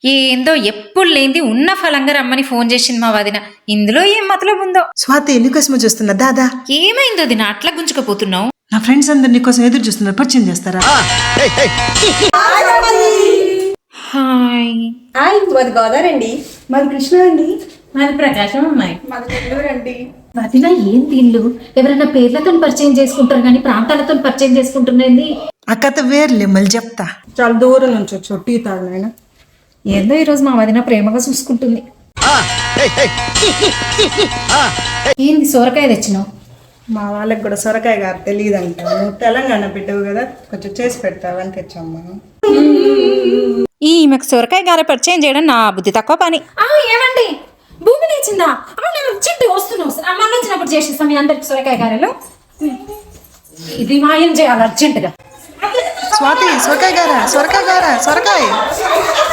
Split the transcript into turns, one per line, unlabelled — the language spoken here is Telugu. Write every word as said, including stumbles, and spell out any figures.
ఏందో ఎప్పుడు లేనిది ఉన్న ఫలంగా రమ్మని ఫోన్ చేసింది మా వదిన. ఇందులో ఏం మతలబు ఉందో.
స్వాతి నీకోసమే చూస్తున్నా దాదా.
ఏమైందో దిన అట్లా గుంజుకపోతున్నావు?
నా ఫ్రెండ్స్ అందరు నీకోసం ఎదురు చూస్తున్నారు, పరిచయం చేస్తారా?
హాయ్.
హాయ్, మాది గోదావరి అండి.
మాది కృష్ణ అండి.
మాది ప్రకాశం అమ్మాయి.
మాది నెల్లూరు అండి.
వదిన ఏం దీళ్ళు ఎవరైనా పేర్లతో పరిచయం చేసుకుంటారు కానీ ప్రాంతాలతో పరిచయం చేసుకుంటున్నది.
ఆ కథ వేర్లే, మళ్ళీ చెప్తా.
చాలా దూరం నుంచి వచ్చి టీ తాగిన.
ఏందో ఈరోజు మా వదిన ప్రేమగా చూసుకుంటుంది.
ఏంది సోరకాయ తెచ్చినావు?
మా వాళ్ళకి కూడా సొరకాయ గారు తెలియదు అంట. నువ్వు తెలంగాణ బిడ్డవు కదా, కొంచెం చేసి పెడతావని తెచ్చామ్మా.
ఈమెకు సొరకాయ గారె పరిచయం చేయడం నా బుద్ధి తక్కువ పని.
ఆ ఏమండి భూమి లేచిందా? అర్జెంట్ వస్తున్నావు. మళ్ళీ వచ్చినప్పుడు చేసేస్తాం మీ అందరికి సొరకాయ గారెలు. ఇది మాయం చేయాలి అర్జెంటుగా.
స్వాతి సొరకాయ గారా, సొరకాయ గారా, సొరకాయ.